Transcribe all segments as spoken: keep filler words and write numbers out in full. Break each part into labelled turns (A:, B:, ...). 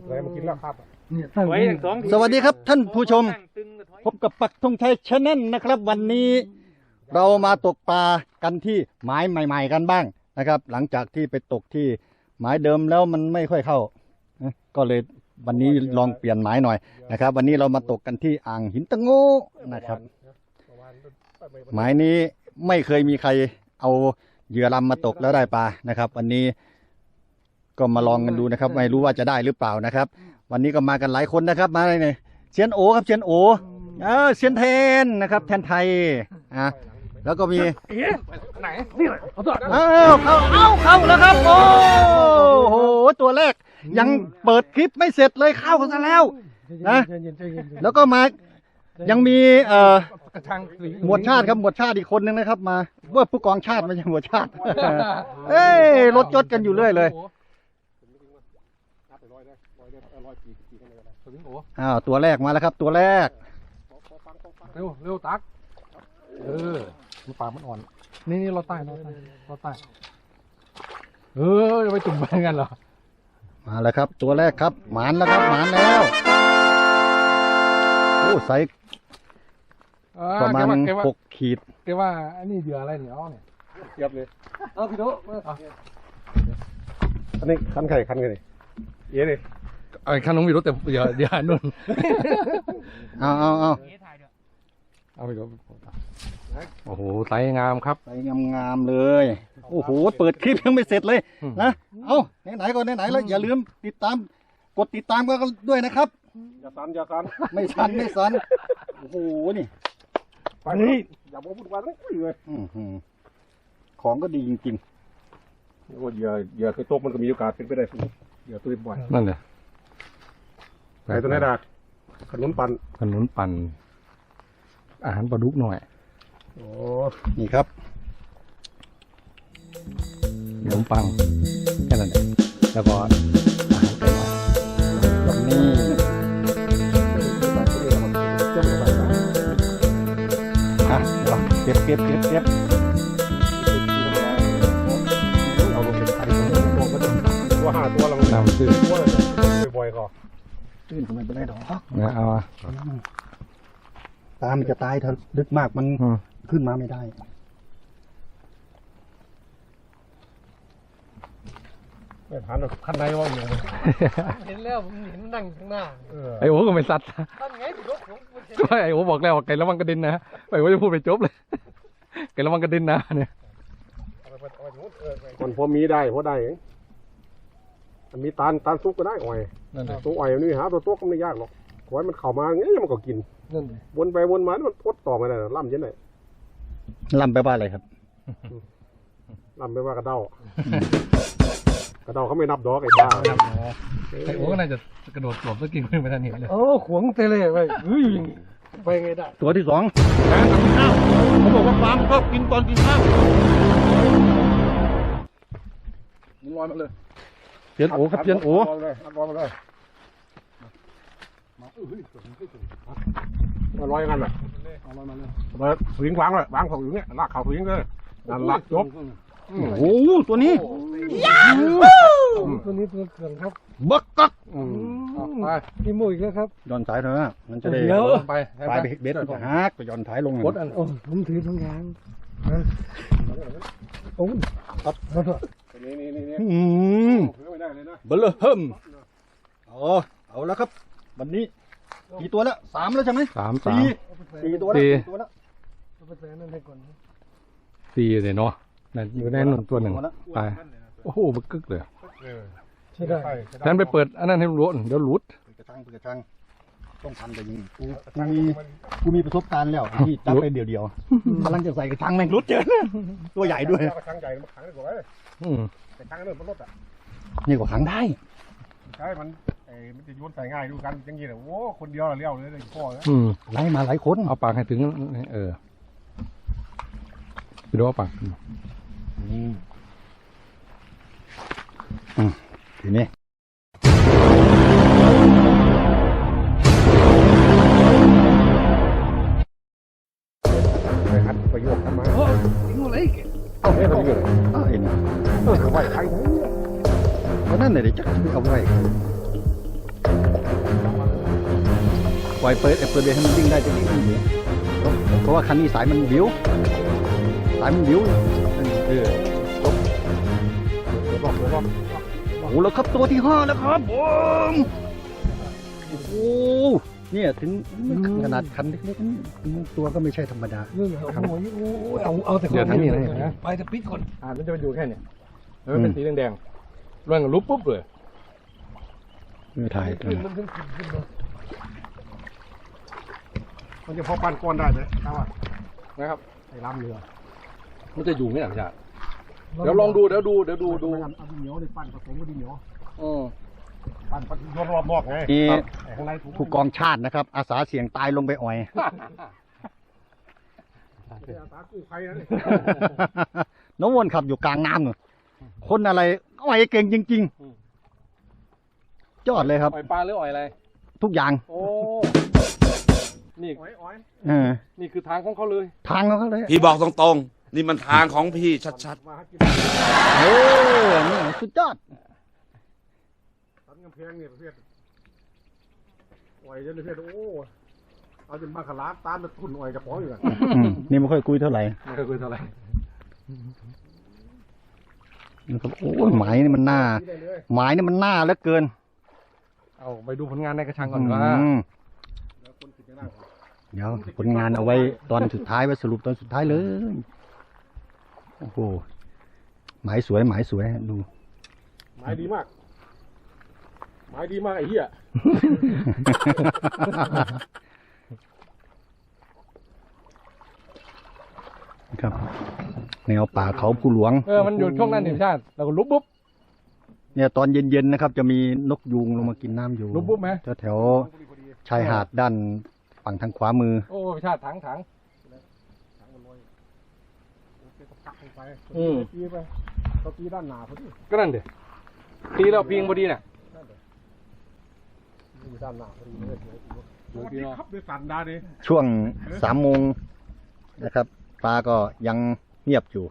A: อะไรมากินแล้วครับ
B: สวัสดีครับท่านผู้ชมพบกับปักธงชัยชาแนลนะครับวันนี้เรามาตกปลากันที่หมายใหม่ๆกันบ้างนะครับหลังจากที่ไปตกที่หมายเดิมแล้วมันไม่ค่อยเข้าก็เลยวันนี้ลองเปลี่ยนหมายหน่อยนะครับวันนี้เรามาตกกันที่อ่างหินตะโง่นะครับหมายนี้ไม่เคยมีใครเอาเหยื่อลำมาตกแล้วได้ปลานะครับวันนี้ก็มาลองกันดูนะครับไม่รู้ว่าจะได้หรือเปล่านะครับวันนี้ก็มากันหลายคนนะครับมาเลยเนี่ยเชียนโอครับเชียนโอเออเชียนเทนนะครับแทนไทยอ่ะแล้วก็มีไหนนี่เอาตัวเอ้าเข้าเอ้าเข้าแล้วครับโอ้โหตัวแรกยังเปิดคลิปไม่เสร็จเลยเข้าซะแล้วนะแล้วก็มายังมีเอ่อหมวดชาติครับหมวดชาติอีกคนนึงนะครับมาว่าผู้กองชาติไม่ใช่หมวดชาติเอ้ยรถจดกันอยู่เรื่อยเลยอ้าวตัวแรกมาแล้วครับตัวแรก
A: เร็วเร็วตักเออปลามันอ่อนนี่นี่เราใต้เราใต้เราใต้เออจะไปจุ่มไปกันเหรอ
B: มาแล้วครับตัวแรกครับหมานแล้วครับหมานแล้วโอ้ใส่ประมาณหกขีด
A: แกว่าอันนี้เหยื่ออะไรเนี่ยอ๋อเนี่ยเทียบเลยเอาพี่โตอันนี้คันไข่คันไข่เยอะเลยไอ้คันน้องพี่โตแต่อย่าอย่านุ่น
B: เอาเอาเอา
A: เอาพี่โตโอ้โหไซงามครับ
B: ไซงามๆเลยโอ้โหเปิดคลิปยังไม่เสร็จเลยนะเอาไหนๆก็ไหนๆแล้วอย่าลืมติดตามกดติดตามกันด้วยนะครับ
A: อย่าสั่นอย่าสั่น
B: ไม่สั่นไม่สั่นโอ้โหนี่
A: ไปนี่อย่าบอกพูดว่าเลยเลย
B: ของก็ดีจริง
A: ๆโอ้ยอย่าอย่าเคยตกมันก็มีโอกาสเป็นไปได้สูงอย่าตัวบ่อยนั่นเลยไปตัวไหนดาขนุนปั่นขนุนปั่นอาหารปลาดุกหน่อย
B: โอ้นี่ครับ
A: ขนมปังแค่นั้นเองแล้วก็อาหารไก่บ้าน
B: แบบนี้อ่ะเก็บเก็บเก็บเก็บ
A: เอาลงไปขายตัวก็ต้องตัวห้าตัวเรานำซื้อบ่อยๆก็
B: ตื้นทำไมเป็นไรดอก
A: เนี่ยเอา
B: ตามันจะตายถ้าลึกมากมันขึ้นมาไม่ได้
A: ไม่ผ่านหรอกขั้นในว่าอยู่
C: เห็นแล้วผมเห็นนั่งข้างหน้า
A: ไอ้โอ้ก็ไม่สัตว์ก็ไอ้โอ้บอกแล้วว่าไก่ระวังกระดินนะไอ้โอ้จะพูดไปจบเลยไก่ระวังกระดินนะเนี่ยคนพอมีได้พอได้มันมีตาลตาลซุกก็ได้อ่อยตัวอ่อยนี่หาตัวโต๊ะก็ไม่ยากหรอกขอให้มันเข้ามาอย่างนี้มันก็กินวนไปวนมามันพดต่อมาได้ล่ำยังไง
B: ล่ำไปว่าอะไรครับ
A: ล่ำไปว่ากระเด้ากระเด้าเขาไม่นับดอกไอ้บ้าไอ้โอ้ก็น่าจะกระโดดหลบแล้วกินขึ้นไปทันเห็นเลยโอ้ขวงเตะเลยไปเฮ้ยไปไงได้
B: ตัวที่สองการกินข้าวเขาบอกว่าฟาร์มก็กินตอนกินข้าว
A: มันลอยมาเลย
B: เพียนโอครับเพียนโอ
A: ลอยเลยลอยมาเลยมาลอยกันเลยลอยมาเลยมาสวิงวางเลยวางของอยู่เนี่ยลากเข่าสวิงเลยนั่นลากจบ
B: โอ้โหตัวนี้
A: ตัวนี้ตัวเขื่อนครับ
B: บักกัก
A: ไปพี่มุ้ยแล้วครับ
B: ย้อนสายเถอะมันจะได้
A: ไป
B: ไปเบ็ดก็หักไปย้อนสายลง
A: กดอันโอ้ผมถือทั้งยางโอ้ครับนี่นี่นี่
B: อืมเบลเฮิมอ๋อเอาแล้วครับวันนี้กี่ตัวแล้วสามแล้วใช่ไหม
A: สามสาม
B: สี่ตัวแล้วสี่ตัวแล้ว
A: สี่เลยเนาะนั่นอยู่ในหนึ่งตัวหนึ่งไปโอ้โหบึกกึกเลยใช่ได้ฉันไปเปิดอันนั้นให้รู้เดี๋ยวหลุด
B: กระชังกระชังต้องพันไปยิงกูมีกูมีประสบการณ์แล้วที่จับไปเดียวเดียวกำลังจะใส่กระชังแม่งรุดเจอตัวใหญ่ด้วย
A: กระชังใหญ่มาขังได้กว่าเลยกระชังเริ่มมันลดอ่ะ
B: นี่ก็ขังได้
A: ใช่มันไอ้มันจะโยนใส่ง่ายดูกันอย่างนี้เลยโอ้คนเดียวเลี้ยวเลยเลยพ่อเลย
B: ไล่มาหลายคน
A: เอาปากให้ถึงเออไปดูเอาปาก
B: อืมทีนี้
A: ไปหัดประโยคกันมา
C: โอ้ยงูอะไรกัน
A: เอ้าเฮ้ยมันอยู่ไหน
B: เอ้าเห็นเออ
A: เอาไว้ใคร
B: เพราะนั่นเลยจักเอาไว้ปล่อยเปิดเปิดเบรกให้มันวิ่งได้จะวิ่งมันอยู่เพราะว่าคันนี้สายมันบิ้วสายมันบิ้วเออบอกบอกบอกโอ้แล้วครับตัวที่ห้าแล้วครับผมโอ้โหเนี่ยถึงขนาดคันเล็กๆตัวก็ไม่ใช่ธรรมดา
C: เอาเอาแต่คนนี้เลยนะไปแต่ปิดก่อน
A: อ่ามันจะไปอยู่แค่เนี่ยแล้วมันเป็นสีแดงๆร่างลุบปุ๊บเลย
B: ไม่ถ่าย
C: ขึ้นมันขึ้นขึ้นเลย
A: มันจะพอปั้นก้อนได้ไหมครับนะครับไอ้ลำเรือมันจะอยู่ไหมหลังจากเดี๋ยวลองดูเดี๋ยวดูเดี๋ยวดูดูเอาดินเหนียวเลยปั้นผสมกับดินเหนียวอือปั้นปั้นรอบรอบนอกไง
B: นี่
A: ข้างใน
B: ผู้กองชาตินะครับ อาสาเสี่ยงตายลงไปอ่อย
A: อาสากู้ภัยนะนี่
B: น้องวนขับอยู่กลางน้ำเนอะคนอะไรอ่อยเก่งจริงๆยอดเลยครับ
A: อ่อยปลาหรืออ่อยอะไร
B: ทุกอย่าง
A: โอ้นี่อ่อยอ่อย
B: เออ
A: นี่คือทางของเขาเลย
B: ทางของเขาเลย
D: พี่บอกตรงๆ นี่มันทางของพี่ชัด
A: มาหากิน
B: เออนี่สุดยอด
A: ตันกำแพงเนี่ยประเภทอ่อยจนประเภทโอ้เอาจนมาขลาดตามมาทุ่นอ่อยกับป๋องอยู่กัน
B: อืมนี่ไม่ค่อยคุยเท่าไหร่
A: ไม่เคยคุยเท่าไหร่
B: นะครับโอ้ยหมายนี่มันหน้าหมายนี่มันหน้าเหลือเกิน
A: เอาไปดูผลงานในกระชังก่อนว่า
B: อืมเดี๋ยวผลงานเอาไว้ตอนสุดท้ายไว้สรุปตอนสุดท้ายเลยโอ้โหหมายสวยหมายสวยดู
A: หมายดีมากหมายดีมากไอ้เหี้ย
B: ครับแนวป่าเขาภูหลวง
A: เออมันอยู่ช่วงนั้นนี่ชาติเราก็ลุบปุ๊บ
B: เนี่ยตอนเย็นๆนะครับ จะมีนกยูงลงมากินน้ำอยู่
A: ลุบปุ๊บไหม
B: แถวๆชายหาดด้านฝั่งทางขวามือ
A: โอ้ชาติถังถังอืมตีไปเราตีด้านหนาพอดีก็นั่นเด็ตีแล้วพิงพอดีน่ะด้านหนาพอดีเลยสวัสดีครับด้วยสันดาดิ
B: ช่วงสามโมงนะครับปลาก็ยังเงียบอยู่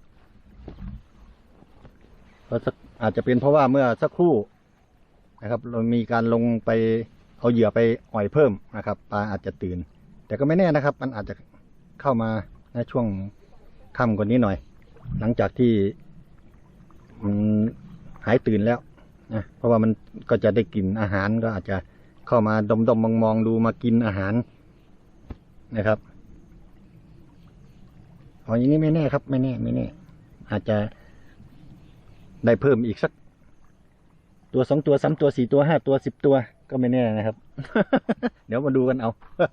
B: เพราะสักอาจจะเป็นเพราะว่าเมื่อสักครู่นะครับ เรามีการลงไปเอาเหยื่อไปอ่อยเพิ่มนะครับปลาอาจจะตื่น แต่ก็ไม่แน่นะครับ มันอาจจะเข้ามาในช่วงค่ำกว่านี้หน่อย หลังจากที่มันหายตื่นแล้วนะเพราะว่ามันก็จะได้กลิ่นอาหารก็อาจจะเข้ามาดมดมมองมองดูมากินอาหารนะครับอ๋ออย่างนี้ไม่แน่ครับ ไม่แน่ไม่แน่อาจจะได้เพิ่มอีกสักตัวสองตัวสามตัวสี่ตัวห้าตัวสิบตัวก็ไม่แน่นะครับ เดี๋ยวมาดูกันเอา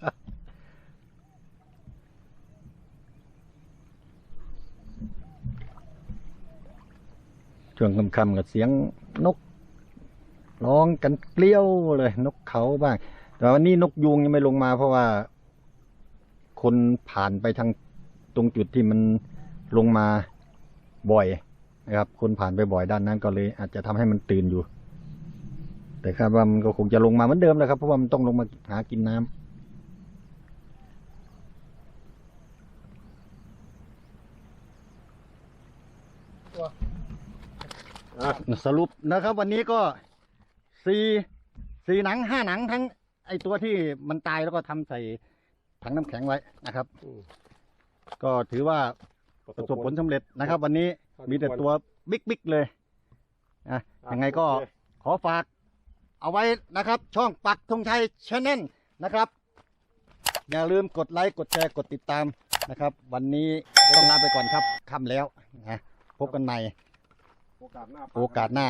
B: ช่วงค่ำๆกับเสียงนกร้องกันเกลี้ยวเลยนกเขาบ้างแต่วันนี้นกยูงยังไม่ลงมาเพราะว่าคนผ่านไปทางตรงจุดที่มันลงมาบ่อยนะครับคนผ่านไปบ่อยด้านนั้นก็เลยอาจจะทำให้มันตื่นอยู่แต่คาดว่ามันก็คงจะลงมาเหมือนเดิมแหละครับเพราะว่ามันต้องลงมาหากินน้ำสรุปนะครับ วันนี้ก็สี่สี่หนังห้าหนังทั้งไอตัวที่มันตายแล้วก็ทำใส่ถังน้ำแข็งไว้นะครับก็ถือว่าประสบผลสำเร็จนะครับ วันนี้มีแต่ตัวบิ๊กๆเลยนะยังไงก็ขอฝากเอาไว้นะครับ ช่องปักธงชัยชาแนลนะครับอย่าลืมกดไลค์กดแชร์กดติดตามนะครับ วันนี้ต้องลาไปก่อนครับค่ำแล้วนะพบกันใหม่โอกาสหน้าโอกาสหน้า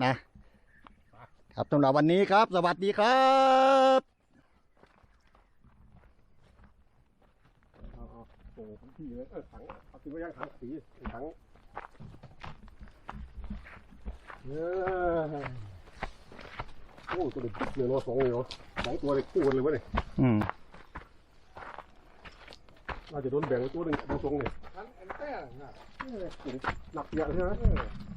B: นะครับสำหรับวันนี้ครับ สวัสดีครับโอ้พี่เลยเออถังเอาติดไว้ยังถังสีถังเออโอ้ตัวเด็กเนื้อสองเลยเนาะสองตัวเลยคู่กันเลยวะเนี่ยอืมน่าจะโดนแบ่งตัวหนึ่งตัวสองเนี่ยถังแอนแต้หนักเยอะใช่ไหม